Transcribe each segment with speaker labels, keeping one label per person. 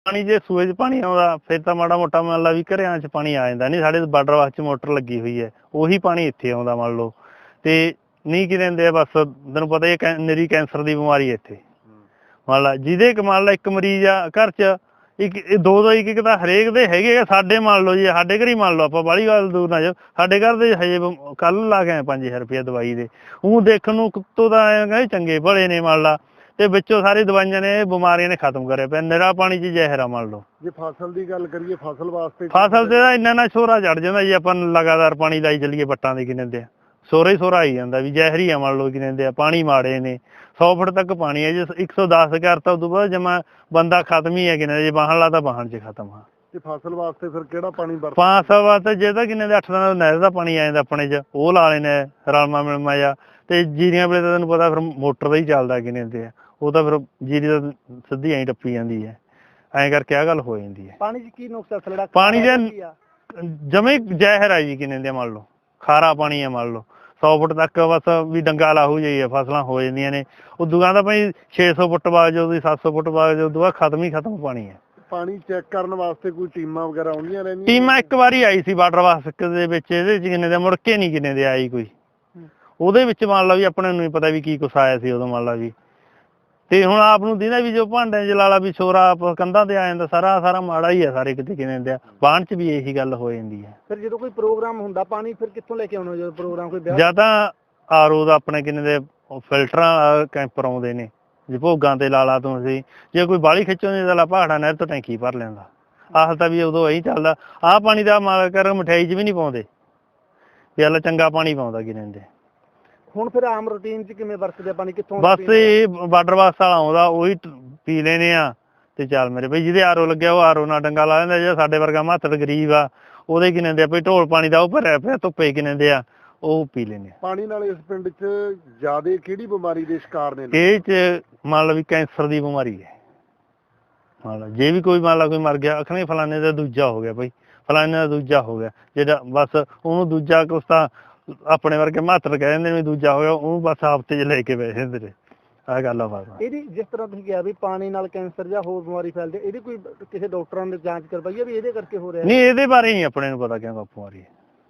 Speaker 1: ਪਾਣੀ ਜੇ ਸੂਏ 'ਚ ਪਾਣੀ ਆਉਂਦਾ ਫਿਰ ਤਾਂ ਮਾੜਾ ਮੋਟਾ ਮੰਨ ਲਾ ਵੀ ਘਰਿਆਂ 'ਚ ਪਾਣੀ ਆ ਜਾਂਦਾ ਨਹੀਂ। ਸਾਡੇ ਬਾਰਡਰ ਵਾਸਤੇ ਮੋਟਰ ਲੱਗੀ ਹੋਈ ਹੈ, ਉਹੀ ਪਾਣੀ ਇੱਥੇ ਆਉਂਦਾ ਮੰਨ ਲਓ। ਤੇ ਨਹੀਂ ਕੀ ਦਿੰਦੇ ਆ, ਬਸ ਤੈਨੂੰ ਪਤਾ ਹੀ ਹੈ ਨਿਰੀ ਕੈਂਸਰ ਦੀ ਬਿਮਾਰੀ ਹੈ ਇੱਥੇ। ਮੰਨ ਲਾ ਜਿਹਦੇ ਮੰਨ ਲਾ ਇੱਕ ਮਰੀਜ਼ ਆ ਘਰ 'ਚ, ਦੋ ਇੱਕ ਤਾਂ ਹਰੇਕ ਦੇ ਹੈਗੇ ਆ। ਸਾਡੇ ਮੰਨ ਲਓ ਜੀ, ਸਾਡੇ ਘਰ ਹੀ ਮੰਨ ਲਓ, ਆਪਾਂ ਬਾਹਲੀ ਗੱਲ ਦੂਰ ਨਾ ਜਾਓ, ਸਾਡੇ ਘਰ ਦੇ ਹਜੇ ਕੱਲ ਲਾ ਕੇ ਆਏ 5000 ਰੁਪਇਆ ਦਵਾਈ ਦੇ। ਉਹ ਦੇਖਣ ਨੂੰ ਕੁੱਤੋਂ ਤਾਂ ਆਏ ਚੰਗੇ ਭਲੇ ਨੇ ਮੰਨ ਲਾ, ਤੇ ਵਿੱਚੋਂ ਸਾਰੀ ਦਵਾਈਆਂ ਨੇ ਬਿਮਾਰੀਆਂ ਨੇ ਖਤਮ ਕਰਿਆ ਪਿਆ। ਨਿਰਾ ਪਾਣੀ 'ਚ ਜ਼ਹਿਰ ਆ ਮੰਨ ਲਓ।
Speaker 2: ਜੇ ਫਸਲ ਦੀ ਗੱਲ ਕਰੀਏ, ਫਸਲ ਵਾਸਤੇ
Speaker 1: ਫਸਲ ਤੇ ਤਾਂ ਇੰਨਾ ਛੋਰਾ ਚੜ ਜਾਂਦਾ ਜੀ, ਆਪਾਂ ਲਗਾਤਾਰ ਪਾਣੀ ਲਾਈ ਚੱਲੀਏ ਵੱਟਾਂ ਦੇ ਕਿੰਨੇ ਦੇ ਸੋਰਾ ਹੀ ਸੋਰਾ ਆਈ ਜਾਂਦਾ ਵੀ ਜ਼ਹਿਰ ਹੀ ਆ ਮੰਨ ਲਓ। ਕਿੰਨੇ ਦੇ ਆ ਪਾਣੀ ਮਾੜੇ ਨੇ, 100 ਫੁੱਟ ਤੱਕ ਪਾਣੀ ਹੈ। ਜੇ 110 ਕਰਤਾ ਉਦੋਂ ਬਾਅਦ ਜਮਾ ਬੰਦਾ ਖਤਮ ਹੀ ਹੈ। ਕਿੰਨੇ ਜੇ ਬਾਹਣ ਲਾ ਤਾਂ ਬਾਹਣ 'ਚ ਖਤਮ ਆ।
Speaker 2: ਤੇ ਫਸਲ ਵਾਸਤੇ ਫਿਰ ਕਿਹੜਾ ਪਾਣੀ ਵਰਤ?
Speaker 1: 500 ਵਾਸਤੇ ਜੇ ਤਾਂ ਕਿੰਨੇ ਦੇ 8 ਦਿਨਾਂ ਦਾ ਨਹਿਰ ਦਾ ਪਾਣੀ ਆ ਜਾਂਦਾ ਆਪਣੇ 'ਚ, ਉਹ ਲਾ ਲੈਣੇ ਰਲਮਾ ਮਿਲਮਾ ਜਾ। ਤੇ ਜੀਰੀਆਂ ਵੇਲੇ ਤਾਂ ਤੈਨੂੰ ਪਤਾ ਫਿਰ ਮੋਟਰ ਦਾ ਹੀ ਚੱਲਦਾ ਕਿੰਨੇ ਦੇ ਆ, ਉਹ ਤਾਂ ਫਿਰ ਜੀਰੀ ਦਾ ਸਿੱਧੀ ਐਂ ਟੱਪੀ ਜਾਂਦੀ ਹੈ। ਐਂ ਕਰਕੇ ਆਹ ਗੱਲ ਹੋ ਜਾਂਦੀ ਹੈ।
Speaker 2: ਪਾਣੀ 'ਚ ਕੀ ਨੁਕਸ ਥਲੜਾ?
Speaker 1: ਪਾਣੀ ਦੇ ਜਮੇ ਜ਼ਹਿਰ ਆ ਜੀ ਕਿੰਨੇ ਦੇ ਮੰਨ ਲਓ, ਖਾਰਾ ਪਾਣੀ ਆ ਮੰਨ ਲਓ। 100 ਫੁੱਟ ਤੱਕ ਬਸ ਵੀ ਡੰਗਾ ਲਾਹੂ ਜਾਈਏ ਫਸਲਾਂ ਹੋ ਜਾਂਦੀਆਂ ਨੇ। ਉਦੋਂ ਕਹਿੰਦਾ ਭਾਈ 600 ਫੁੱਟ ਬਾਅਦ ਜਦੋਂ 700 ਫੁੱਟ ਬਾਅਦ ਜਦੋਂ ਬਾਅਦ ਖਤਮ ਹੀ ਖਤਮ ਪਾਣੀ ਹੈ।
Speaker 2: ਪਾਣੀ ਚੈੱਕ ਕਰਨ ਵਾਸਤੇ ਕੋਈ ਟੀਮਾਂ ਵਗੈਰਾ ਆਉਂਦੀਆਂ ਰਹਿੰਦੀਆਂ?
Speaker 1: ਟੀਮਾਂ ਇੱਕ ਵਾਰੀ ਆਈ ਸੀ ਵਾਟਰ ਵਾਸਕ ਦੇ ਵਿੱਚ, ਇਹਦੇ 'ਚ ਕਿੰਨੇ ਦੇ ਮੁੜ ਕੇ ਨਹੀਂ ਕਿੰਨੇ ਦੇ ਆਈ ਕੋਈ। ਉਹਦੇ ਵਿੱਚ ਮੰਨ ਲਾ ਵੀ ਆਪਣੇ ਨੂੰ ਨਹੀਂ ਪਤਾ ਵੀ ਕੀ ਕੁਛ ਆਇਆ ਸੀ ਉਦੋਂ ਮੰਨ ਲਾ ਵੀ। ਤੇ ਹੁਣ ਆਪ ਨੂੰ ਦਿੰਦਾ ਵੀ ਜੋ ਭਾਂਡਿਆਂ 'ਚ ਲਾ ਲਾ ਵੀ ਛੋਰਾ ਕੰਧਾਂ ਤੇ ਆ ਜਾਂਦਾ, ਸਾਰਾ ਮਾੜਾ ਹੀ ਆ ਸਾਰੇ ਕਿਤੇ ਕਿੰਨੇ ਦੇ ਆ। ਬਾਣ 'ਚ ਵੀ ਇਹੀ ਗੱਲ ਹੋ ਜਾਂਦੀ ਹੈ।
Speaker 2: ਫਿਰ ਜਦੋਂ ਕੋਈ ਪ੍ਰੋਗਰਾਮ ਹੁੰਦਾ ਪਾਣੀ ਫਿਰ ਕਿੱਥੋਂ ਲੈ ਕੇ ਆਉਣਾ? ਜਦੋਂ ਪ੍ਰੋਗਰਾਮ ਕੋਈ
Speaker 1: ਜਾਂ ਤਾਂ ਆਰਓ ਦਾ ਆਪਣੇ ਕਿੰਨੇ ਦੇ ਫਿਲਟਰਾਂ ਕੈਂਪਰ ਆਉਂਦੇ ਨੇ, ਜੇ ਭੋਗਾਂ ਤੇ ਲਾ ਲਾ ਤੂੰ ਅਸੀਂ। ਜੇ ਕੋਈ ਬਾਹਲੀ ਖਿੱਚੋਂ ਦੀ ਤਾਂ ਪਹਾੜਾਂ ਨਹਿਰ ਤੋਂ ਟੈਂਕੀ ਭਰ ਲੈਂਦਾ। ਆਹ ਤਾਂ ਵੀ ਉਦੋਂ ਇਹੀ ਚੱਲਦਾ। ਆਹ ਪਾਣੀ ਦਾ ਮਾਲ ਕਰ ਮਠਿਆਈ 'ਚ ਵੀ ਨਹੀਂ ਪਾਉਂਦੇ, ਚੱਲ ਚੰਗਾ ਪਾਣੀ ਪਾਉਂਦਾ ਕਿੰਨੇ ਦੇ।
Speaker 2: ਹੁਣ ਫਿਰ ਆਮ ਰੂਟੀਨ 'ਚ ਕਿਵੇਂ ਵਰਤਦੇ ਪਾਣੀ? ਕਿੱਥੋਂ?
Speaker 1: ਬਸ ਇਹ ਵਾਟਰ ਬਾਕਸ ਵਾਲਾ ਆਉਂਦਾ, ਉਹੀ ਪੀ ਲੈਨੇ ਆ ਤੇ ਚੱਲ ਮੇਰੇ ਬਈ। ਜਿਹਦੇ ਆਰਓ ਲੱਗਿਆ ਉਹ ਆਰਓ ਨਾਲ ਡੰਗਾ ਲਾ ਲੈਂਦਾ। ਜਿਹੜਾ ਸਾਡੇ ਵਰਗਾ ਮਾਤੜ ਗਰੀਬ ਆ ਉਹਦੇ ਕਿੰਨੇ ਦੇ ਆ ਭਈ ਢੋਲ ਪਾਣੀ ਦਾ ਉਹ ਭਰਿਆ ਪਿਆ ਧੁੱਪੇ ਕਿੰਨੇ ਦੇ ਆ, ਉਹ ਪੀ ਲੈਨੇ।
Speaker 2: ਪਾਣੀ ਨਾਲ ਇਸ ਪਿੰਡ 'ਚ ਜ਼ਿਆਦਾ ਕਿਹੜੀ ਬਿਮਾਰੀ ਦੇ ਸ਼ਿਕਾਰ ਨੇ?
Speaker 1: ਇਹ 'ਚ ਮੰਨ ਲਓ ਵੀ ਕੈਂਸਰ ਦੀ ਬਿਮਾਰੀ ਹੈ। ਮੰਨ ਲਾ ਜੇ ਵੀ ਕੋਈ ਮੰਨ ਲਾ ਕੋਈ ਮਰ ਗਿਆ, ਆਖਣੇ ਫਲਾਣੇ ਦਾ ਦੂਜਾ ਹੋ ਗਿਆ ਭਾਈ, ਫਲਾਣੇ ਦਾ ਦੂਜਾ ਹੋ ਗਿਆ। ਜਿਹੜਾ ਬਸ ਉਹਨੂੰ ਦੂਜਾ ਕੁਛ ਤਾਂ ਆਪਣੇ ਵਰਗੇ ਮਾਤਰ ਕਹਿ ਦਿੰਦੇ ਨੇ ਦੂਜਾ ਹੋ ਗਿਆ, ਉਹਨੂੰ ਬਸ ਹਫ਼ਤੇ 'ਚ ਲੈ ਕੇ ਬਹਿ ਜਾਂਦੇ ਨੇ। ਆਹ ਗੱਲ ਆ ਬਸ। ਇਹਦੀ
Speaker 2: ਜਿਸ ਤਰ੍ਹਾਂ ਤੁਸੀਂ ਕਿਹਾ ਵੀ ਪਾਣੀ ਨਾਲ ਕੈਂਸਰ ਜਾਂ ਹੋਰ ਬਿਮਾਰੀ ਫੈਲਦੀ, ਇਹਦੀ ਕੋਈ ਕਿਸੇ ਡਾਕਟਰਾਂ ਨੇ ਜਾਂਚ ਕਰਵਾਈ ਹੈ ਵੀ ਇਹਦੇ ਕਰਕੇ ਹੋ ਰਿਹਾ?
Speaker 1: ਨਹੀਂ, ਇਹਦੇ ਬਾਰੇ ਨਹੀਂ ਆਪਣੇ ਨੂੰ ਪਤਾ ਕਿਉਂ ਬਾਪੂ ਆ ਰਹੀ ਹੈ।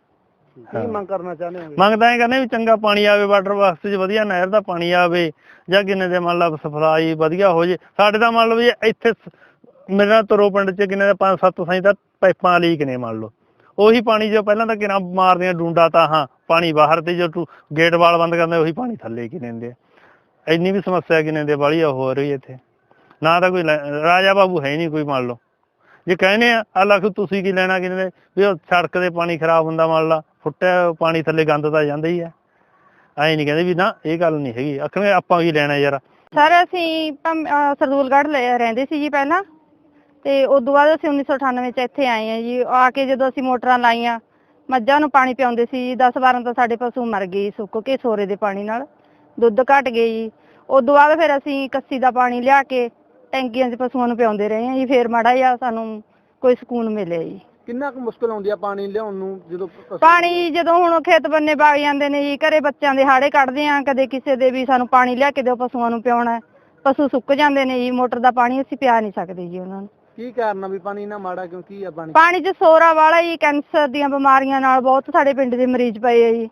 Speaker 2: ਕੀ ਮੰਗ ਕਰਨਾ ਚਾਹੁੰਦੇ ਹੋ?
Speaker 1: ਮੰਗਦਾ ਇਹ ਕਹਿੰਦੇ ਵੀ ਚੰਗਾ ਪਾਣੀ ਆਵੇ, ਵਾਟਰ ਵਾਸਤੇ 'ਚ ਵਧੀਆ ਨਹਿਰ ਦਾ ਪਾਣੀ ਆਵੇ, ਜਾਂ ਕਿੰਨੇ ਦੇ ਮੰਨ ਲਾ ਸਪਲਾਈ ਵਧੀਆ ਹੋ ਜੇ। ਸਾਡੇ ਤਾਂ ਮੰਨ ਲਓ ਵੀ ਇੱਥੇ ਮੇਰੇ ਨਾਲ ਤਰੋ ਪਿੰਡ 'ਚ ਕਿੰਨੇ ਦੇ 5-7 ਸਾਈਂ ਤਾਂ ਪਾਈਪਾਂ ਲੀਕ ਨੇ ਮੰਨ ਲਓ। ਉਹੀ ਪਾਣੀ ਜੋ ਪਹਿਲਾਂ ਤਾਂ ਕਿੰਨਾ ਮਾਰਦੀਆਂ ਡੂੰਡਾ ਤਾਂ ਹਾਂ ਪਾਣੀ ਬਾਹਰ, ਤੇ ਜੋ ਗੇਟ ਵਾਲ ਬੰਦ ਕਰਦੇ ਉਹੀ ਪਾਣੀ ਥੱਲੇ ਕਿੰਨੇ ਦੇ। ਇੰਨੀ ਵੀ ਸਮੱਸਿਆ ਕਿੰਨੇ ਦੇ ਵਾਲੀ ਹੋ ਰਹੀ ਇੱਥੇ। ਨਾ ਤਾਂ ਕੋਈ ਰਾਜਾ ਬਾਬੂ ਹੈ ਨਹੀਂ ਕੋਈ ਮੰਨ ਲਓ। ਜੇ ਕਹਿੰਦੇ ਆ ਲੱਖ ਤੁਸੀਂ ਕੀ ਲੈਣਾ ਕਿੰਨੇ ਦੇ ਵੀ ਉਹ ਸੜਕ ਦੇ ਪਾਣੀ ਖਰਾਬ ਹੁੰਦਾ ਮੰਨ ਲਾ, ਫੁੱਟਿਆ ਪਾਣੀ ਥੱਲੇ ਗੰਦ ਤਾਂ ਜਾਂਦਾ ਹੀ ਹੈ। ਐਂ ਨਹੀਂ ਕਹਿੰਦੇ ਵੀ ਨਾ ਇਹ ਗੱਲ ਨਹੀਂ ਹੈਗੀ, ਆਖਣਗੇ ਆਪਾਂ ਕੀ ਲੈਣਾ ਯਾਰ।
Speaker 3: ਸਰ ਅਸੀਂ ਸਰਦੂਲਗੜ੍ਹ ਰਹਿੰਦੇ ਸੀ ਜੀ ਪਹਿਲਾਂ, ਤੇ ਉਦੋਂ ਬਾਅਦ ਅਸੀਂ 1998 'ਚ ਇੱਥੇ ਆਏ ਹਾਂ ਜੀ। ਆ ਕੇ ਜਦੋਂ ਅਸੀਂ ਮੋਟਰਾਂ ਲਾਈਆਂ, ਮੱਝਾਂ ਨੂੰ ਪਾਣੀ ਪਿਆਉਂਦੇ ਸੀ, 10-12 ਤਾਂ ਸਾਡੇ ਪਸ਼ੂ ਮਰ ਗਏ ਸੁੱਕ ਕੇ ਸੋਰੇ ਦੇ ਪਾਣੀ ਨਾਲ, ਦੁੱਧ ਘਟ ਗਏ ਜੀ। ਉਦੋਂ ਬਾਅਦ ਫਿਰ ਅਸੀਂ ਕੱਸੀ ਦਾ ਪਾਣੀ ਲਿਆ ਕੇ ਟੈਂਕੀਆਂ 'ਚ ਪਸ਼ੂਆਂ ਨੂੰ ਪਿਆਉਂਦੇ ਰਹੇ ਹਾਂ ਜੀ। ਫਿਰ ਮਾੜਾ ਜਿਹਾ ਸਾਨੂੰ ਕੋਈ ਸਕੂਨ ਮਿਲਿਆ ਜੀ।
Speaker 2: ਕਿੰਨਾ ਕੁ ਮੁਸ਼ਕਲ ਆਉਂਦੀ ਆ ਪਾਣੀ ਲਿਆਉਣ ਨੂੰ?
Speaker 3: ਜਦੋਂ ਹੁਣ ਖੇਤ ਬੰਨੇ ਵਗ ਜਾਂਦੇ ਨੇ ਜੀ, ਘਰੇ ਬੱਚਿਆਂ ਦੇ ਹਾੜੇ ਕੱਢਦੇ ਆ, ਕਦੇ ਕਿਸੇ ਦੇ ਵੀ ਸਾਨੂੰ ਪਾਣੀ ਲਿਆ ਕੇ ਦਿਓ ਪਸ਼ੂਆਂ ਨੂੰ ਪਿਆਉਣਾ, ਪਸ਼ੂ ਸੁੱਕ ਜਾਂਦੇ ਨੇ ਜੀ। ਮੋਟਰ ਦਾ ਪਾਣੀ ਅਸੀਂ ਪਿਆ ਨਹੀਂ ਸਕਦੇ ਜੀ ਉਹਨਾਂ ਨੂੰ।
Speaker 2: ਕੀ ਕਾਰਨ ਆ ਵੀ ਪਾਣੀ ਇੰਨਾ ਮਾੜਾ ਕਿਉਂ? ਕੀ ਆ
Speaker 3: ਪਾਣੀ 'ਚ ਸੋਰਾ ਵਾਲਾ ਜੀ। ਕੈਂਸਰ ਦੀਆਂ ਬਿਮਾਰੀਆਂ ਨਾਲ ਬਹੁਤ ਸਾਡੇ ਪਿੰਡ ਦੇ ਮਰੀਜ਼ ਪਏ ਆ ਜੀ।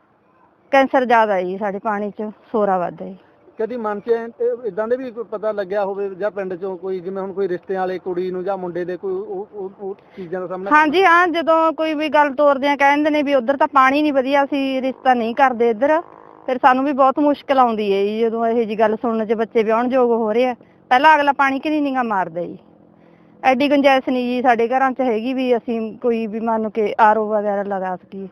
Speaker 3: ਕੈਂਸਰ ਜ਼ਿਆਦਾ ਜੀ ਸਾਡੇ ਪਾਣੀ 'ਚ, ਸੋਰਾ ਵੱਧ ਹੈ ਜੀ।
Speaker 2: ਕਦੀ ਮਨ 'ਚ ਇਦਾਂ ਦੇ ਵੀ ਪਤਾ ਲੱਗਿਆ ਹੋਵੇ ਜਾਂ ਪਿੰਡ 'ਚੋਂ ਕੋਈ, ਜਿਵੇਂ ਹੁਣ ਕੋਈ ਰਿਸ਼ਤੇ ਵਾਲੇ ਕੁੜੀ ਨੂੰ ਜਾਂ ਮੁੰਡੇ ਦੇ ਕੋਈ ਉਹ ਚੀਜ਼ਾਂ ਦਾ ਸਾਹਮਣਾ?
Speaker 3: ਹਾਂਜੀ ਹਾਂ, ਜਦੋਂ ਕੋਈ ਵੀ ਗੱਲ ਤੋਰਦੇ ਆ ਕਹਿੰਦੇ ਨੇ ਵੀ ਉੱਧਰ ਤਾਂ ਪਾਣੀ ਨਹੀਂ ਵਧੀਆ, ਅਸੀਂ ਰਿਸ਼ਤਾ ਨਹੀਂ ਕਰਦੇ ਇੱਧਰ। ਫਿਰ ਸਾਨੂੰ ਵੀ ਬਹੁਤ ਮੁਸ਼ਕਿਲ ਆਉਂਦੀ ਹੈ ਜੀ ਜਦੋਂ ਇਹੋ ਜਿਹੀ ਗੱਲ ਸੁਣਨ 'ਚ ਬੱਚੇ ਵਿਆਹੁਣ ਯੋਗ ਹੋ ਰਹੇ ਆ। ਪਹਿਲਾਂ ਅਗਲਾ ਪਾਣੀ ਕਿ ਨਹੀਂ ਗਾ ਮਾਰਦਾ ਜੀ। ਐਡੀ ਗੁੰਜਾਇਸ਼ ਨਹੀਂ ਜੀ ਸਾਡੇ ਘਰਾਂ 'ਚ ਹੈਗੀ ਵੀ ਅਸੀਂ ਕੋਈ ਵੀ ਮੰਨ ਕੇ ਆਰਓ ਵਗੈਰਾ ਲਗਾ ਸਕੀਏ।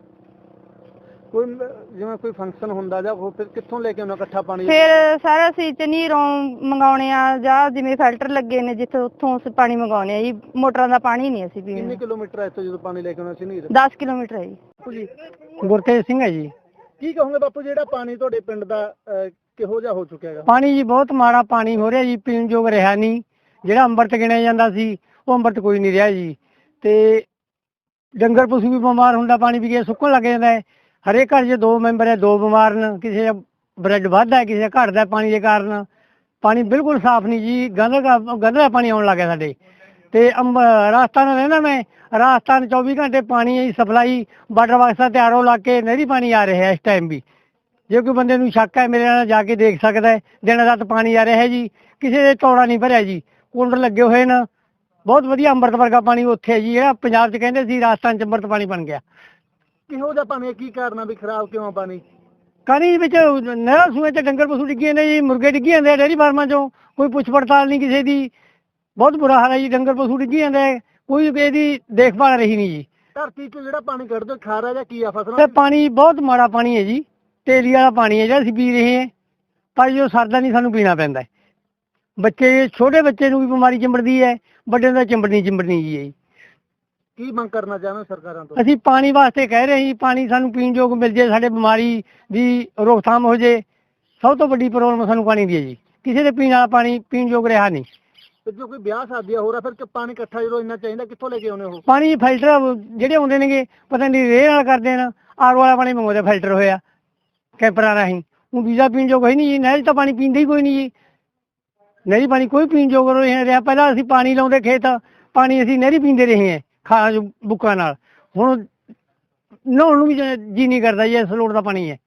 Speaker 2: ਕੋਈ ਜਿਵੇਂ ਕੋਈ ਫੰਕਸ਼ਨ ਹੁੰਦਾ ਜਾਂ ਉਹ ਫਿਰ ਕਿੱਥੋਂ ਲੈ ਕੇ ਆਉਣਾ ਇਕੱਠਾ ਪਾਣੀ?
Speaker 3: ਫਿਰ ਸਰ ਅਸੀਂ ਝਨੀਰੋਂ ਮੰਗਾਉਣੇ ਆ, ਜਾਂ ਜਿਵੇਂ ਫਿਲਟਰ ਲੱਗੇ ਨੇ ਜਿੱਥੇ ਉੱਥੋਂ ਅਸੀਂ ਪਾਣੀ ਮੰਗਾਉਣੇ ਆ ਜੀ। ਮੋਟਰਾਂ ਦਾ ਪਾਣੀ ਨਹੀਂ ਅਸੀਂ ਪੀਂਦੇ।
Speaker 2: ਕਿੰਨੇ ਕਿਲੋਮੀਟਰ ਹੈ ਇੱਥੋਂ ਜਦੋਂ ਪਾਣੀ ਲੈ ਕੇ ਆਉਣਾ ਝਨੀਰ?
Speaker 3: 10 ਕਿਲੋਮੀਟਰ ਹੈ ਜੀ।
Speaker 4: ਗੁਰਤੇਜ ਸਿੰਘ ਹੈ ਜੀ।
Speaker 2: ਕੀ ਕਹੋਗੇ ਬਾਪੂ, ਜਿਹੜਾ ਪਾਣੀ ਤੁਹਾਡੇ ਪਿੰਡ ਦਾ ਕਿਹੋ ਜਿਹਾ ਹੋ ਚੁੱਕਿਆ ਹੈਗਾ?
Speaker 4: ਪਾਣੀ ਜੀ ਬਹੁਤ ਮਾੜਾ ਪਾਣੀ ਹੋ ਰਿਹਾ ਜੀ, ਪੀਣ ਯੋਗ ਰਿਹਾ ਨਹੀਂ। ਜਿਹੜਾ ਅੰਮ੍ਰਿਤ ਗਿਣਿਆ ਜਾਂਦਾ ਸੀ ਉਹ ਅੰਮ੍ਰਿਤ ਕੋਈ ਨਹੀਂ ਰਿਹਾ ਜੀ। ਤੇ ਡੰਗਰ ਪਸ਼ੂ ਵੀ ਬਿਮਾਰ ਹੁੰਦਾ, ਪਾਣੀ ਪੀ ਕੇ ਸੁੱਕਣ ਲੱਗ ਜਾਂਦਾ ਹੈ। ਹਰੇਕ ਘਰ 'ਚ 2 ਮੈਂਬਰ ਹੈ, 2 ਬਿਮਾਰ ਨੇ। ਕਿਸੇ ਦਾ ਬਲੱਡ ਵੱਧਦਾ, ਕਿਸੇ ਦਾ ਘਟਦਾ ਪਾਣੀ ਦੇ ਕਾਰਨ। ਪਾਣੀ ਬਿਲਕੁਲ ਸਾਫ਼ ਨਹੀਂ ਜੀ, ਗੰਦਾ ਪਾਣੀ ਆਉਣ ਲੱਗ ਗਿਆ ਸਾਡੇ। ਤੇ ਰਾਜਸਥਾਨ ਰਹਿੰਦਾ ਮੈਂ, ਰਾਜਸਥਾਨ 24 ਘੰਟੇ ਪਾਣੀ ਦੀ ਸਪਲਾਈ ਵਾਟਰ ਬਾਕਸ ਦਾ ਤਿਆਰੋ ਲਾ ਕੇ ਨਹਿਰੀ ਪਾਣੀ ਆ ਰਿਹਾ ਇਸ ਟਾਈਮ ਵੀ। ਜੇ ਕੋਈ ਬੰਦੇ ਨੂੰ ਸ਼ੱਕ ਹੈ ਮੇਰੇ ਨਾਲ ਜਾ ਕੇ ਦੇਖ ਸਕਦਾ ਹੈ, ਦਿਨ ਰਾਤ ਪਾਣੀ ਆ ਰਿਹਾ ਹੈ ਜੀ, ਕਿਸੇ ਦੇ ਤੋੜਾ ਨਹੀਂ ਭਰਿਆ ਜੀ, ਕੂਲਰ ਲੱਗੇ ਹੋਏ ਨੇ, ਬਹੁਤ ਵਧੀਆ ਅੰਮ੍ਰਿਤ ਵਰਗਾ ਪਾਣੀ ਉੱਥੇ ਹੈ ਜੀ, ਜਿਹੜਾ ਪੰਜਾਬ 'ਚ ਕਹਿੰਦੇ ਸੀ ਰਾਜਸਥਾਨ 'ਚ ਅੰਮ੍ਰਿਤ ਪਾਣੀ ਬਣ ਗਿਆ।
Speaker 2: ਕਿਹੋ ਜਿਹਾ ਪਾਣੀ ਹੈ, ਕੀ ਕਾਰਨ ਆ ਵੀ ਖਰਾਬ ਕਿਉਂ ਆ ਪਾਣੀ?
Speaker 4: ਪਾਣੀ ਵਿੱਚ ਨਹਿਰਾਂ ਸੂਏ 'ਚ ਡੰਗਰ ਪਸ਼ੂ ਡਿੱਗੇ ਨੇ ਜੀ, ਮੁਰਗੇ ਡਿੱਗੇ ਜਾਂਦੇ ਆ ਡੇਅਰੀ ਫਾਰਮਾਂ 'ਚੋਂ, ਕੋਈ ਪੁੱਛ ਪੜਤਾਲ ਨਹੀਂ ਕਿਸੇ ਦੀ, ਬਹੁਤ ਬੁਰਾ ਹਾਲ ਹੈ ਜੀ, ਡੰਗਰ ਪਸ਼ੂ ਡਿੱਗੇ ਜਾਂਦੇ ਆ, ਕੋਈ ਇਹਦੀ ਦੇਖਭਾਲ ਰਹੀ ਨਹੀਂ ਜੀ।
Speaker 2: ਧਰਤੀ 'ਚ ਜਿਹੜਾ ਪਾਣੀ ਕੱਢਦੇ ਹੋ, ਖਾਰਾ ਜਾਂ ਕੀ ਆ ਫਸਲਾਂ
Speaker 4: ਤੇ ਪਾਣੀ ਬਹੁਤ ਮਾੜਾ ਪਾਣੀ ਹੈ ਜੀ, ਤੇਲੀ ਵਾਲਾ ਪਾਣੀ ਹੈ ਜਿਹੜਾ ਅਸੀਂ ਪੀ ਰਹੇ ਹਾਂ, ਪਰ ਜੋ ਸਰਦਾ ਨਹੀਂ ਸਾਨੂੰ ਪੀਣਾ ਪੈਂਦਾ ਹੈ। ਬੱਚੇ, ਛੋਟੇ ਬੱਚੇ ਨੂੰ ਵੀ ਬਿਮਾਰੀ ਚਿੰਬੜਦੀ ਹੈ, ਵੱਡਿਆਂ ਦਾ ਚਿੰਬੜਨੀ ਜੀ ਹੈ।
Speaker 2: ਕੀ ਮੰਗ ਕਰਨਾ ਚਾਹੁੰਦੇ ਹੋ ਸਰਕਾਰਾਂ ਤੋਂ?
Speaker 4: ਅਸੀਂ ਪਾਣੀ ਵਾਸਤੇ ਕਹਿ ਰਹੇ ਹਾਂ ਜੀ, ਪਾਣੀ ਸਾਨੂੰ ਪੀਣ ਯੋਗ ਮਿਲ ਜੇ, ਸਾਡੇ ਬਿਮਾਰੀ ਦੀ ਰੋਕਥਾਮ ਹੋ ਜੇ। ਸਭ ਤੋਂ ਵੱਡੀ ਪ੍ਰੋਬਲਮ ਸਾਨੂੰ ਪਾਣੀ ਦੀ ਹੈ ਜੀ, ਕਿਸੇ ਦੇ ਪੀਣ ਵਾਲਾ ਪਾਣੀ ਪੀਣ ਯੋਗ ਰਿਹਾ ਨਹੀਂ।
Speaker 2: ਤੇ ਜੋ ਕੋਈ ਵਿਆਹ ਸ਼ਾਦੀਆਂ ਹੋ ਰਿਹਾ, ਫਿਰ ਪਾਣੀ ਇਕੱਠਾ ਜਦੋਂ ਇੰਨਾ ਚਾਹੀਦਾ, ਕਿੱਥੋਂ ਲੈ ਕੇ ਆਉਣੇ ਉਹ?
Speaker 4: ਪਾਣੀ ਫਿਲਟਰ ਜਿਹੜੇ ਆਉਂਦੇ ਨੇਗੇ, ਪਤਾ ਨਹੀਂ ਰੇਹ ਨਾਲ ਕਰਦੇ ਨੇ, ਆਰਓ ਵਾਲਾ ਪਾਣੀ ਮੰਗਵਾਉਂਦੇ ਫਿਲਟਰ ਹੋਇਆ ਕੈਂਪਰਾਂ ਰਾਹੀਂ। ਉਹ ਵੀਜ਼ਾ ਪੀਣ ਯੋਗ ਹੈ ਨਹੀਂ ਜੀ, ਨਹਿਰ 'ਚ ਤਾਂ ਪਾਣੀ ਪੀਂਦੇ ਹੀ ਕੋਈ ਨਹੀਂ ਜੀ, ਨਹਿਰੀ ਪਾਣੀ ਕੋਈ ਪੀਣ ਯੋਗ ਰਿਹਾ। ਪਹਿਲਾਂ ਅਸੀਂ ਪਾਣੀ ਲਾਉਂਦੇ ਖੇਤ, ਪਾਣੀ ਅਸੀਂ ਨਹਿਰੀ ਪੀਂਦੇ ਰਹੇ ਹਾਂ ਬੁੱਕਾਂ ਨਾਲ, ਹੁਣ ਨਹਾਉਣ ਨੂੰ ਵੀ ਜੀ ਨਹੀਂ ਕਰਦਾ ਜੀ, ਇਸ ਲੋੜ ਦਾ ਪਾਣੀ ਹੈ।